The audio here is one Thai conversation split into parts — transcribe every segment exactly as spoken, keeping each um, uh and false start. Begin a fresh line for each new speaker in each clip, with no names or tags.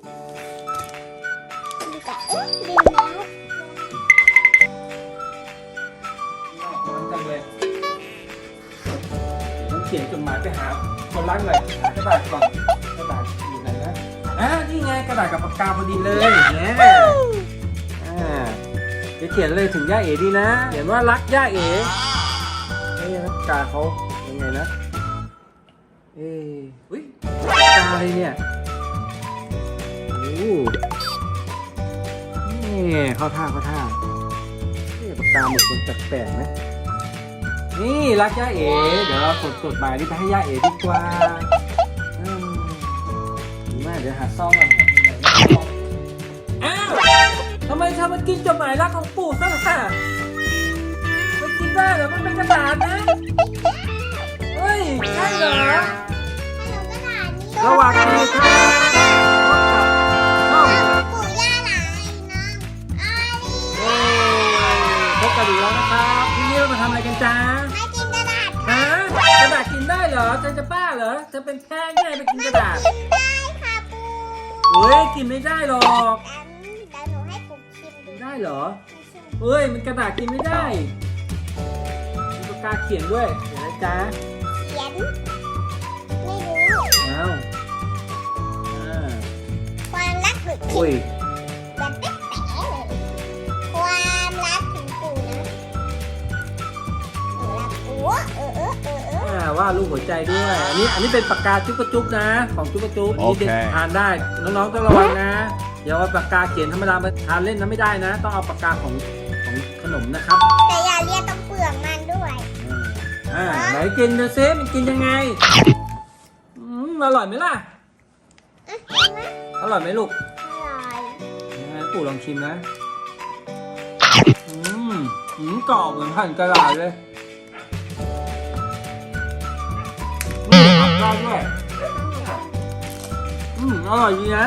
ดีกว่าเอ๊ะดีแล้ว
ร้อนจังเลยผมเขียนจดหมายไปหาคนรักหน่อยหากระดาษก่อนกระดาษอยู่ไหนนะอ่ะนี่ไงกระดาษกับปากกาพอดีเลยเนี่ยอ่าจะเขียนเลยถึงย่าเอ๋ดีนะเขียนว่ารักย่าเอ๋เอ้ยปากกาเขายังไงนะเอ้ยอุ้ยปากกาอะไรเนี่ยโอ้นี่เข้าท่าเข้าท่าเอ้ยปากกาหมึกมันแปลกๆนะนี่รักย่าเอ๋เดี๋ยวเรากดจดหมายนี้ไปให้ย่าเอ๋ดีกว่าอืมดีมากเดี๋ยวหาซ่อมกันอ้าวทำไมเธอมากินจดหมายรักของปู่ซะล่ะมันกินได้เหรอมันเป็นกระดาษนะเฮ้ยใช่เหรอ
ขนมกระดาษนี่
ระหว่างนี้ครับช่อง
ปู่ย่าหลานน้องอาลี
เอ้ยพบกันอีกแล้วนะครับทีนี้เรามาทำอะไรกันจ๊ะ
ไม่กินกระดาษ
ฮะกระดาษกินได้เหรอเธอจะบ้าเหรอเธอเป็นแพ้ไงไปกินกระดาษ
กินได้ค่ะปู่
เฮ้ยกินไม่ได้หรอก
เดี๋ยวหนูให้ปู่ชิมดู
กินได้เหรอเฮ้ยมันกระดาษกินไม่ได้มีปากกาเขียนด้วยเห็นไหมจ๊ะ
เขียนไม่รู้
อ้าวอ่า
ความรักหรือ
โอ้ย
แบบแป๊ะๆเลยความรักถึงปู่นะหนูรักปู่เออเออเออเออ
อ่าว่าดรูปหัวใจด้วย อันนี้อันนี้เป็นปากกาจุ๊บกระจุ๊บนะ ของจุ๊บกระจุ๊บอันนี้เด็ก
โอเค
ทานได้ น้องๆต้องระวังนะ อย่าเอาปากกาเขียนธรรมดามาทานเล่นนะไม่ได้นะ ต้องเอาปากกาของของขนมนะครับ
แต่อย่าเรียกต้องเปลือกมันด้วย
อ่าอ่าไหนกินดูซิมันกินยังไงอืมอร่อยไหมล่ะ
เอ๊ะกินไหม
อร่อยไหมลูก
อร่อย
อ่าปู่ลองชิมนะอืมอืมกรอบเหมือนหั่นกระดาษเลยอืมอัดได้ด้วยอืมอร่อยดีนะ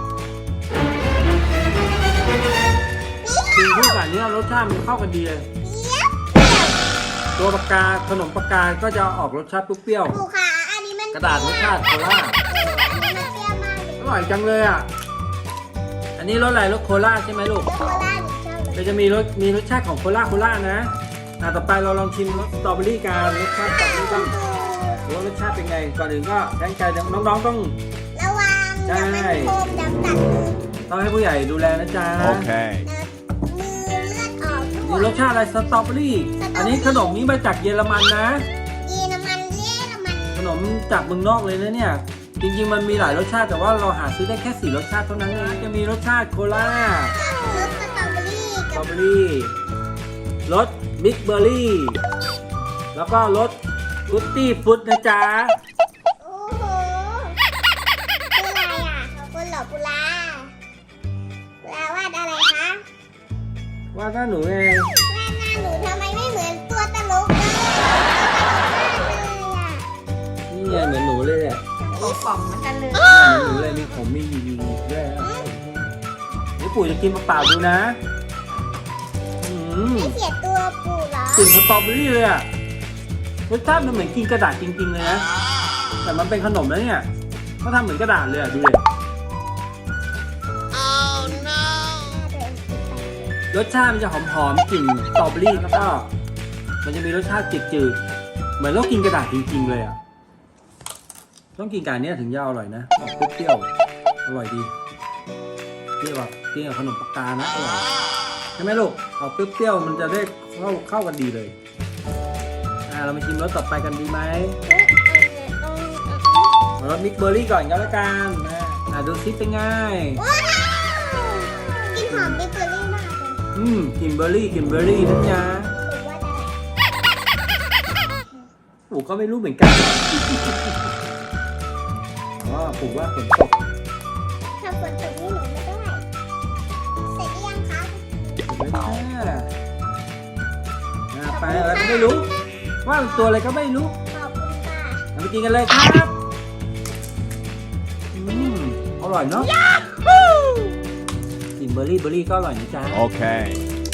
กินคู่กับเนี้ยรสชาติมันเข้ากันดีเลย
เปี๊ยบ
ตัวปากกาขนมปากกาก็จะออกรสชาติเปรี้ยว
ปู่ค่ะอันนี้มัน
ๆกระดาษรสชาติโคลา
อันนี้มันเปรี้ยวมากเลย
อร่อยจังเลยอ่ะอันนี้รสอะไรรสโคลาใช่ไหมลูก
โคลาหนูชอบเลย
เดี๋ยวจะมีรสมีรสชาติของโคลาโคลานะอ่ะต่อไปเราลองชิมรสสตรอเบอรี่กันรสชาติสตรอเบอรี่บ้างดูว่ารสชาติเป็นไงก่อนอื่นก็แจ้งใจน้องๆต้อง
ระวังเดี๋ยวมันโคมดำตัดมือ
ต้องให้ผู้ใหญ่ดูแลนะจ๊ะ
Okay.
มือเลือดออกทุก
มีรสชาติอะไรสตรอเบอรี่อันนี้ขนมนี้มาจากเยอรมันนะ
ยีน้ำมันเล่น้ำมัน
ขนมจากเมืองนอกเลยนะเนี่ยจริงๆมันมีหลายรสชาติแต่ว่าเราหาซื้อได้แค่สี่รสชาติเท่านั้นเองจะมีรสชาติโคลาร
สสตรอเบอรี่
สตร
กั
อบ เบอรี่รสบิ๊กเบอร์รี่แล้วก็รสฟรุตตี้ฟรุตนะจ๊ะ
โอ้โหคืออะไรอ่ะขอบคุณเหรอปุลาปุลาวาดอะไรคะ
ว่าถ้าหนูไง
วาดหน้าหนูทำไมไม่เหมือนตัวตลกเลยตลกมากเลยอ่ะ
นี่ไงเหมือนหนูเลยอ่ะ
ป่องๆเหมือนกันเลย
เหมือนหนูเลยมีผมมีหยีๆด้วยนะนี่ปู่จะกินเปล่าๆดูนะอืม
ไม่เสียตัวปู่เหรอก
ลิ่นสตรอเบอรี่เลยอ่ะรสชาติมันเหมือนกินกระดาษจริงๆเลยนะแต่มันเป็นขนมแล้วเนี่ยเขาทำเหมือนกระดาษเลยอ่ะดูเลยรสชาติมันจะหอมๆกลิ่นสตรอเบอรี่แล้วก็มันจะมีรสชาติจืดๆเหมือนเรากินกระดาษจริงๆเลยอ่ะต้องกินกับอันเนี้ยถึงจะอร่อยนะออกเปรี้ยวๆอร่อยดีเปรี้ยวแบบเปรี้ยวขนมปากกานะอร่อยใช่ไหมลูกออกเปรี้ยวๆมันจะได้เข้าเข้ากันดีเลยอ่าเรามาชิมรสต่อไปกันดีไหมรสมิกเบอร์รี่ก่อนก็แล้วกันนะอ่าดูซิเป็นไง
ว้าวกินหอมบิ๊กเบอร์รี่มากเลย
อืมกลินเบอร์รี่กลินเบอร์รี่นะจ๊ะ
ปู่ว่าอะไร
ปู่ก็ไม่รู้เหมือนกันอ๋อปู่ว่าฝนตก
ถ้าฝนตกนี่หนูไม่ได้เสร็จหรือยังคะ
อ่าไปอะไรก็ไม่รู้ ว่าเป็นตัวอะไรก็ไม่รู้
ขอบคุณค่ะ
เราไปกินกันเลยครับอืมอร่อยเนาะกลินเบอร์รี่เบอร์รี่ก็อร่อยนะจ๊ะ
Okay.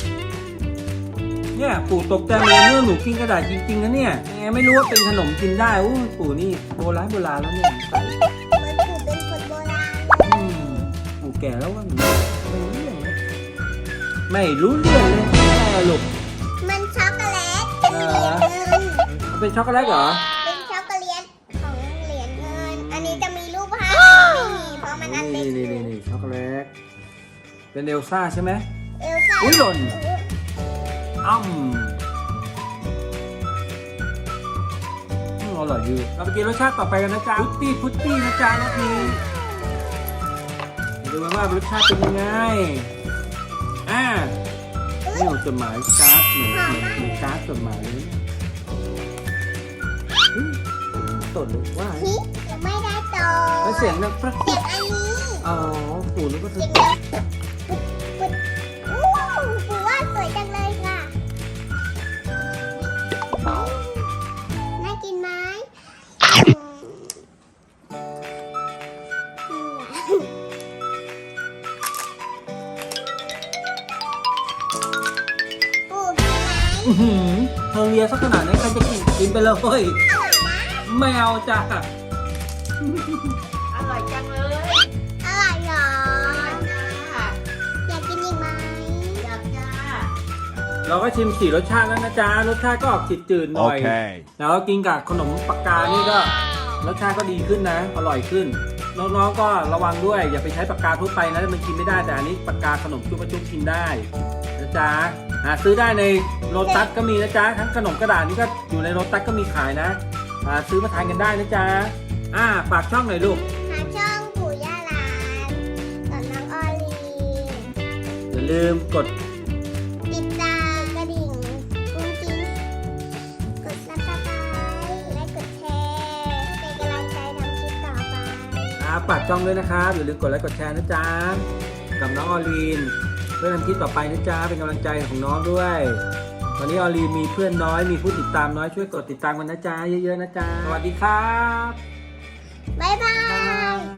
เนี่ยปู่ตกใจเลยเมื่อหนูกินกระดาษจริงๆนะเนี่ยแหมไม่รู้ว่าเป็นขนมกินได้อู้ปู่นี่โบราณโบราณแล้วเนี่ยใส่
เหมือนปู่เป็นคนโบราณ
อืมแก่แล้วว่าหนูไม่รู้เรื่องเลยไม่รู้เรื่องเลยแม่ลูก
มันช็อกโกแลตเป็นเหรียญเงิน
มันเป็นช็อกโกแลตเหรอ
เป็นช็อกโกแลตของเหรียญเงิน อันนี้จะมีรูปภาพไม่มีเพราะมันอันเล็
นี่
ก
นี่นี่นี่ช็อกโกแลตเป็นเอลซ่าใช่ไหม
เอลซ่า
อุ๊ยหล่น อ้ำอืมอร่อยดีเราไปกินรสชาติต่อไปกันนะจ๊ะพุตตี้พุตตี้นะจ๊ะรสนี้ดูกันว่ารสชาติเป็นยังไงอ่านี่จดหมายการ์ดเหมือนเหมือนเหมือนการ์ดจดหมายเลยอุ๊ยตดหรือว่า
ฮิยังไม่ได้โต
แล้วเสียงดังปรัก
เสียงอันนี้
อ๋อปู่นึกว่า
เสี
เสี
ย
ย
ง
ง
ดังปุ๊บปุ๊บอู้ปูว่าสวยจังเลยค่ะน่ากินไหมอืมปูกินไหม
อื้อหือเธอเลียสักขนาดนี้ใครจะกินกินไปเลย
อร่อยนะ
ไม่เอาจ้ะ
อร่อยจังเลย
อร่อยเหรอ
จ้า
อยากกินอีกไหม
อยากจ้า
เราก็ชิมสี่รสชาติแล้วนะจ๊ะรสชาติก็ออกจืดๆหน่อย
Okay.
แล้วกินกับขนมปากกานี่ก็รสชาติก็ดีขึ้นนะ อร่อยขึ้น น้องๆก็ระวังด้วย อย่าไปใช้ปากกาทั่วไปนะมันกินไม่ได้แต่อันนี้ปากกาขนมจุ๊บจุ๊บกินได้นะจ๊ะหาซื้อได้ในโลตัสก็มีนะจ๊ะทั้งขนมกระดาษนี่ก็อยู่ในโลตัสก็มีขายนะหาซื้อมาทานกันได้นะจ๊ะอ่าฝากช่องหน่อยลูก
หาช่องปู่ย่าหลานกับน้องออลี
อย่าลืมกด
ติดตามกระดิ่งกุ้งกิ้งกดซับสไครต์และกดแชร์เป็นกำลังใจทำคลิปต่อไป
อ่าฝากช่องด้วยนะครับอย่าลืมกดไลค์กดแชร์นะจ๊ะกับน้องออลีนเพื่อทำคลิปต่อไปนะจ๊ะเป็นกำลังใจของน้องด้วย ตอนนี้ออลีนมีเพื่อนน้อยมีผู้ติดตามน้อยช่วยกดติดตามกันนะจ๊ะเยอะๆนะจ๊ะสวัสดีครับ
บ๊ายบาย